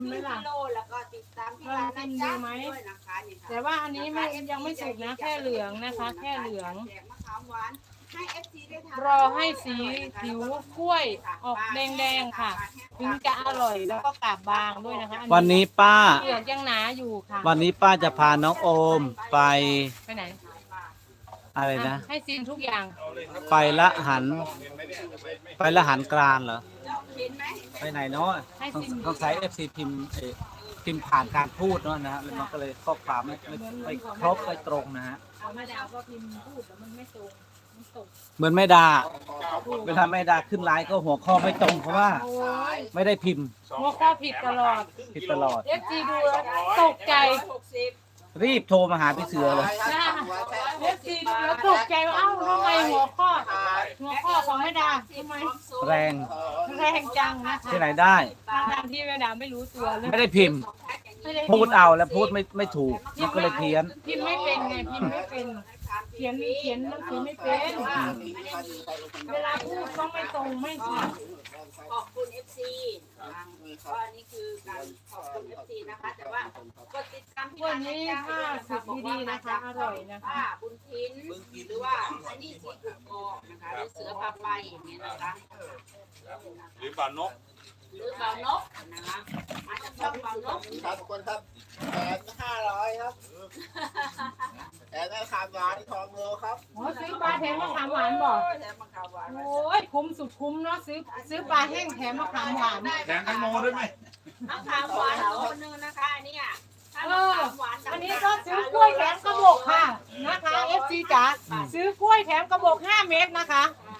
ไม่ล่ะโลแล้วก็ติดตามที่ร้านนะจ๊ะด้วยนะคะนี่ค่ะแต่ว่าอันนี้ไม่ยังไม่สุกนะแค่เหลืองนะคะแค่เหลืองแจกมะขามหวานให้ FC ได้ทานรอให้สีผิวกล้วยออกแดงๆค่ะถึงจะอร่อยแล้วก็กาบบางด้วยนะคะวันนี้ป้าเปลือกยังหนาอยู่ค่ะวันนี้ป้าจะพาน้องโอมไปไปไหนอะไรนะให้ซิมทุกอย่างไปละหัน ไปละหันกลางเหรอเห็นไหมไปไหนเนาะต้องใช้ FC พิมพ์พิมพ์ผ่านการพูดเนาะนะฮะแล้วมันก็เลยข้อความไม่ครบไม่ตรงนะฮะเอาไม่ได้เอาก็พิมพ์พูดแล้วมันไม่ตรงมันตกเหมือนไม่ด่าเวลาไม่ด่าขึ้นไลน์ก็หัวข้อไม่ตรงเพราะว่าโอ้ยไม่ได้พิมพ์หัวข้อผิดตลอดผิดตลอด FG ดูแล้วตกใจ 60 รีบโทรมาหาพี่เสือเลยนะFG ดูแล้วตกใจว่าเอ้าทำไมหัวข้อของแม่ดาทำไมแรงแรงจังนะคะที่ไหนได้ทางที่แม่ดาไม่รู้ตัวเลยไม่ได้พิมพ์ไม่ได้พูดเอาแล้วพูดไม่ถูกมันก็เลยเพี้ยนพิมพ์ไม่เป็นไงพิมพ์ไม่เป็นเขียนหนังสือไม่เป็น เวลาพูดก็ไม่ตรงไม่ชัดขอบคุณ FC ก็อันนี้คือการขอบคุณ FC นะคะแต่ว่ากดติดตามที่วันร้านนี้นะจ๊ะถ้าสุดดีๆนะคะ อร่อยนะคะป้าบุญทินหรือว่าอันนี้สีกุกกอกนะคะหรือเสือพาไปอย่างนี้นะคะหรือปลานกหรือเบานกนะคะมาจากช่องเบานกครับทุกคนครับ8,500ครับแต่ได้ขามหวานทองโลครับโอ้ซื้อปลาแถมมะขามหวานบอกแถมมะขามหวานโอ้ยคุ้มสุดคุ้มเนาะซื้อปลาแห้งแถมมะขามหวานแถมแตงโมด้วยไหมมะขามหวานโลนึงนะคะอันนี้ถ้ามะขามหวานอันนี้ก็ซื้อกล้วยแถมกระบอกค่ะนะคะ FC จ๋าซื้อกล้วยแถมกระบอก5 เม็ดนะคะ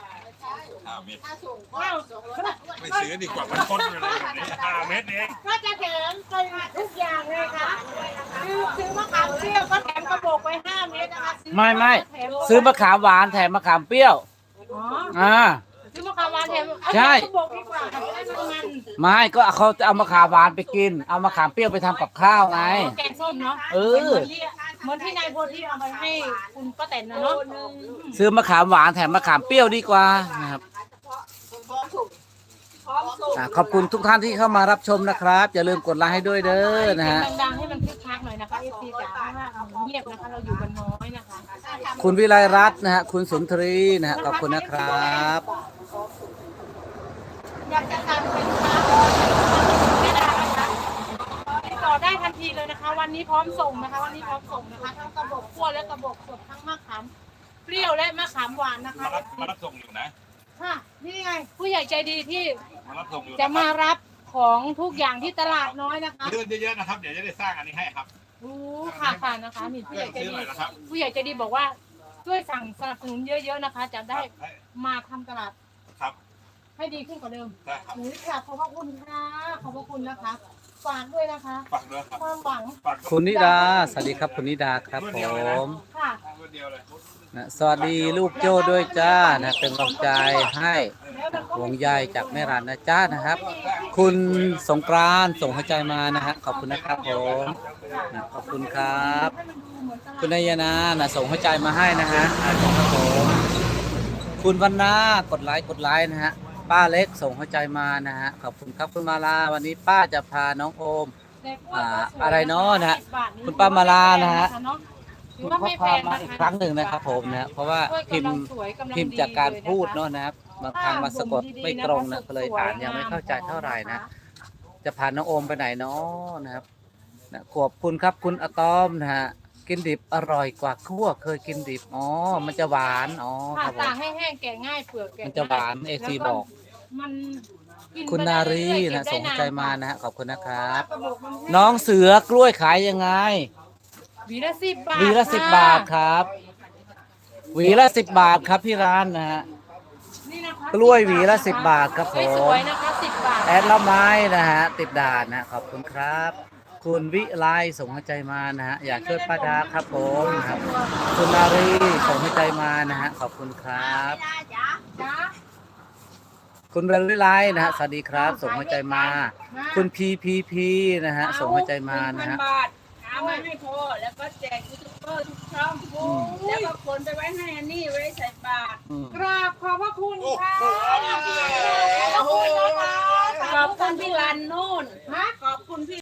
5 เม็ดถ้าส่งก็อ้าวไม่ซื้อดีกว่ามันทนไปเลยแบบนี้5 เม็ดเองก็จะแถมไปทุกอย่างเลยค่ะซื้อมะขามเปรี้ยวก็แถมกระบอกไป5 เม็ดนะคะซื้อไม่แถมซื้อมะขามหวานแถมมะขามเปรี้ยวอ๋ออ่าซื้อมะขามหวานแถมเอาใช่กระบอกดีกว่าค่ะจะได้มันไม่ก็เขาจะเอามะขามหวานไปกิน เอามะขามเปรี้ยวไปทำกับข้าวไงแกงส้มเนาะเออเหมือนที่นายโพธิเอาไปให้คุณป้าแตนนะเนาะซื้อมะขามหวานแถมมะขามเปรี้ยวดีกว่านะครับพร้อมส่งพร้อมส่งขอบคุณทุกท่านที่เข้ามารับชมนะครับอย่าลืมกดไลค์ให้ด้วยเด้อนะฮะดังๆให้มันคึกคักหน่อยนะคะ FC จ๋าเพราะว่าเงียบนะคะเราอยู่กันน้อยนะคะคุณวิไลรัตน์นะฮะคุณสุนทรีนะฮะขอบคุณนะครับอยากจะสั่งเป็นค้าไม่ได้นะคะติดต่อได้ทันทีเลยนะคะ วันนี้พร้อมส่งนะคะ วันนี้พร้อมส่งนะคะทั้งกระบอกคั่วและกระบอกสดทั้งมะขามเปรี้ยวและมะขามหวานนะคะมารับส่งอยู่นะค่ะนี่ไงผู้ใหญ่ใจดีที่มารับส่งอยู่จะมารับของทุกอย่างที่ตลาดน้อยนะคะเลื่อนเยอะๆนะครับเดี๋ยวจะได้สร้างอันนี้ให้ครับค่ะนะคะนี่ผู้ใหญ่ใจซื้อดีหน่อยนะครับผู้ใหญ่ใจดีบอกว่าช่วยสั่งสนับสนุนเยอะๆนะคะ จะได้มาทำตลาดครับให้ดีขึ้นกว่าเดิมได้ครับหนูกราบขอบพระคุณค่ะขอบพระคุณนะคะฝากด้วยนะคะฝากด้วยครับความหวังฝากคุณนิดาสวัสดีครับคุณนิดาครับผมค่ะรุ่นเดียวเลยนะสวัสดีลูกโจ้ด้วยจ้านะเป็นกำลังใจให้แล้วมันก็ห่วงใยจากแม่รันนะจ้านะครับ คุณสงกรานต์ส่งหัวใจมานะฮะขอบคุณนะครับผมนะขอบคุณครับให้มันดูเหมือนตลาดคุณนายนานะส่งหัวใจมาให้นะฮะครับผมคุณวันนากดไลค์นะฮะป้าเล็กส่งหัวใจมานะฮะขอบคุณครับคุณมาลาวันนี้ป้าจะพาน้องโอมแต่กล้วยก็สวยอะไรเนาะนะฮะ 10 บาทคุณป้ามาลานะฮะถือว่าข้อไม่คแพวามงมานะอีกคะครั้งหนึ่งนะครับผมนะเพราะว่าพิมพ์จากการพูดเนาะนะครับบางครั้งมาสะกดไม่ตรงนะก็เลยอ่านยังไม่เข้าใจเท่าไหร่นะจะพาน้องโอมไปไหนเนาะนะครับนะขอบคุณครับคุณอะตอมนะฮะกินดิบอร่อยกว่าคั่วเคยกินดิบอ๋อมันจะหวานอ๋อคค่ะรับผมตากให้แห้งแกะง่ายเปลือกแกะมันจะหวานเอซีบอกมันกินคุณไปนาได้รีเรื่อยๆนะเก็บส่งได้ใจนนมานะฮะขอบคุณนะครับกระบอกมันแห้งน้องเสือกล้วยขายยังไงหวีละ10 บาทหวีละค่ 10 บาทครับหวีละ10 บาทครับที่ร้านนะฮะนี่นะคะกล้วยหวีละ10 บาทครับผมสวยๆนะคะ10 บาทแอดละไม้นะฮะติดด่านนะขอบคุณครับ คุณวิไลส่งหัวใจมานะฮะอยากช่วยป้าดาครับผมนะครับคุณนารีส่งหัวใจมานะฮะขอบคุณครับได้จ้ะจ้าคุณเบลวิไลนะฮะสวัสดีครับ ส่งหัวใจมา คุณพีพีพีนะฮะส่งหัวใจมานะฮะ 1,000 บาทเอามาให้พ่อแล้วก็แจกยูทูบเบอร์ทุกช่องแล้วก็ขนไปไว้ให้อันนี้ไว้ใส่บาตรกราบขอบพระคุณค่ะขอบคุณพี่รันนู่นฮะขอบคุณพี่